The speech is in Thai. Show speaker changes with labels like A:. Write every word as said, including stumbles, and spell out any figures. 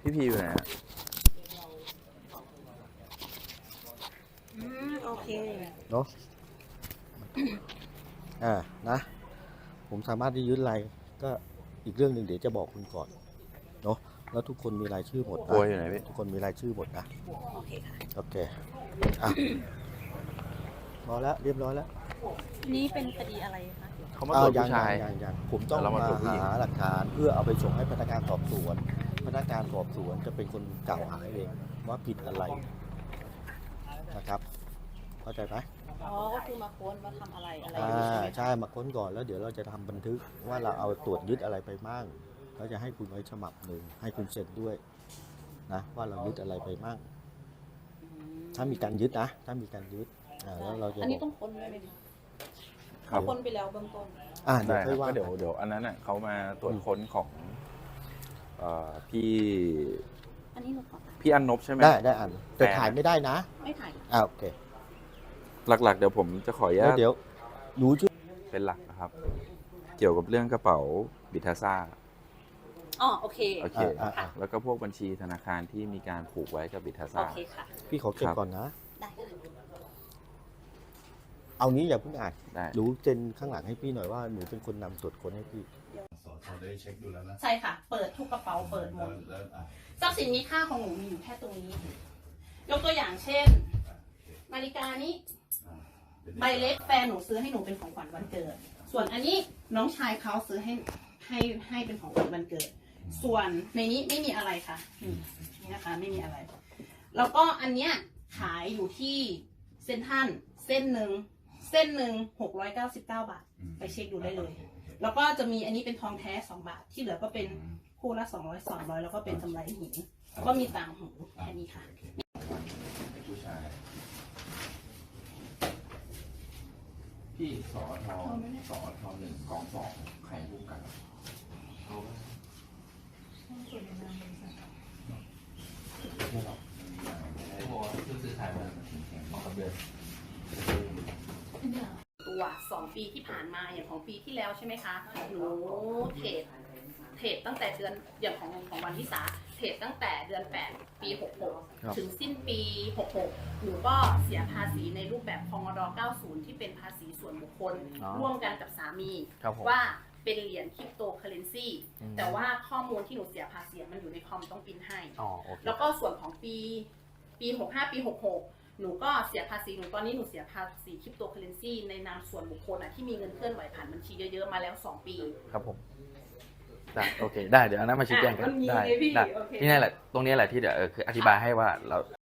A: พี่พีอยู่ไหนฮะ
B: อืมโอเค
C: เนาะอ่านะผมสามารถที่ยึดอะไรก็อีกเรื่องหนึ่งเดี๋ยวจะบอกคุณก่อนเนาะแล้วทุกคนมีรายชื่อหมด
A: โอ้
C: นะ
A: ยอยู่ไหนพี่
C: ทุกคนมีรายชื่อหมดนะ
B: โอเคค่ะ
C: โอเคอ่ะพอแล้วเรียบร้อยแล้ว
B: นี่เป็นคดีอะไรคะ
A: เขามาตรวจ
C: ยั
A: ผู้ชาย
C: ยังยังผมต้อง
A: เรามา
C: มา
A: ตรวจผู้หญิง
C: หาหลักฐานเพื่อเอาไปส่งให้พนักงานสอบสวน พนักงานสอบสวนจะเป็นคนกล่าวหาเองว่าผิดอะไรนะครับเข้าใจไหม
B: อ๋อก็คือมาค้นว่าทำอะไรอะไรอ
C: อ่า
B: ยู่ใช่ไหม
C: ใช่มาค้นก่อนแล้วเดี๋ยวเราจะทำบันทึกว่าเราเอาตรวจยึดอะไรไปมั่งแล้วจะให้คุณไว้ฉบับหนึ่งให้คุณเซ็นด้วยนะว่าเรายึดอะไรไปมั่ง
B: อืม
C: ถ้ามีการยึดนะถ้ามีการยึดอ่าแล้วเราจะ
B: อันนี้
C: บ
B: ต้
C: อ
B: อก งค้นด้วยไหมคะ
A: ครับ
B: ค้นไปแล้วเบื้องต้น
C: อ่าเดี๋ยว
A: ได้ค
C: ค่
A: รั
C: อบ ยว่า
A: ก็เดี๋ยว
C: กัน
A: เดี๋ยวอันนั้นน่ะเขามาตรวจค้นของเอ่อพี่
B: อันนี้หนูขอถาม
A: พี่อันนบใช่ไหม
C: ได้ได้อ่านแต่
A: แต่
C: ถ่ายไม่ได้นะ
B: ไม่ถ่าย
C: อ่าโอเค
A: หลักๆ เดี๋ยวผมจะขออนุ
C: แล้
A: ญาว ต
C: เดี๋ยวหนูชื่อ
A: เป็นหลักนะครับ เกี่ยวกับเรื่องกระเป๋าบิทาซ่า
B: อ๋อโอเค
A: โอเค
C: อ่าอ่า
A: แล้วก็พวกบัญชีธนาคารที่มีการผูกไว้กับบิทา
B: โอ
A: ซ่า
B: เคค่ะ
C: พี่ขอเก็บ
A: ครับ
C: ก่อนนะ
B: ได้ค่ะ
C: เอางี้อย่าเพิ่งอ่าน
A: ได้
C: หนูเซ็นข้างหลังให้พี่หน่อยว่าหนูเป็นคนนำตรวจค้นให้พี่
D: สอทอได้เช็คดูแล้วนะ
B: ใช่ค่ะ เปิดทุกกระเป๋าเปิดหม
D: แล้ว
B: ด
D: แล้วอ่ะ
B: ทรัพย์สินมีค่าของหนูมีอยู่แค่ตรงนี้ ยกตัวอย่างเช่น นาฬิกานี้
D: อ่ะดี๋ยว
B: ใบเล็กแฟนหนูซื้อให้หนูเป็นของขวัญวันเกิด ส่วนอันนี้น้องชายเขาซื้อให้ให้ให้เป็นของขวัญวันเกิด ส่วนในนี้ไม่มีอะไรค่ะนี่นี่นะคะไม่มีอะไร แล้วก็อันเนี้ยขายอยู่ที่เซ็นทรัลเส้นหนึ่งเส้นหนึ่งหกร้อยเก้าสิบเก้าบาท ไปเช็คดูได้เลย
D: โอคโอเค
B: แล้วก็จะมีอันนี้เป็นทองแท้สองบาท ที่เหลือก็เป็นคู่ละสองร้อยสองร้อยแล้วก็เป็นกำไรหินก็มีต่างหูแค่นี้ค่ะ
D: โอเคผู้ชายพี่สอทอสอทอหนึ่งกองสองใครพูดกันเอาไว้ไม่หรอกไม่บอกว่าผู้ซื้อขายมันแข็งๆบอกกับเดือน
B: ตัวสองปีที่ผ่านมาอย่างของปีที่แล้วใช่ไหมคะหนูเทรดเทรดตั้งแต่เดือนอย่างของของวันที่สาเทรดตั้งแต่เดือนแปดปีหกหก
C: ครับ
B: ถึงสิ้นปีหกหกหนูก็เสียภาษีในรูปแบบพงดเก้าสิบที่เป็นภาษีส่วนบุคคล
C: อ๋อ
B: ร่วมกันกับสามี
C: ครับผม
B: ว่าเป็นเหรียญคริปโตเคอเรนซี
C: อืม
B: แต่ว่าข้อมูลที่หนูเสียภาษีมันอยู่ในคอมต้องปริ้นให้
C: อ๋อโอเค
B: แล้วก็ส่วนของปีปีหกห้าปีหกหกหนูก็เสียภาษีหนูตอนนี้หนูเสียภาษีคริปโตเคอเรนซีในนามส่วนบุคคลอ่ะที่มีเงินเคลื่อนไหวผ่านบัญชีเยอะๆมาแล้วสองปี
E: ครับผมได้โอเคได้เดี๋ยวอันนั้นมาชี้แจงกัน
B: อ่ะมันมี
E: ได้
B: ไงพี่
E: ได้
B: โอเค
E: นี่แหละตรงนี้แหละที่เดี๋ยวเออคืออธิบายให้ว่าเรา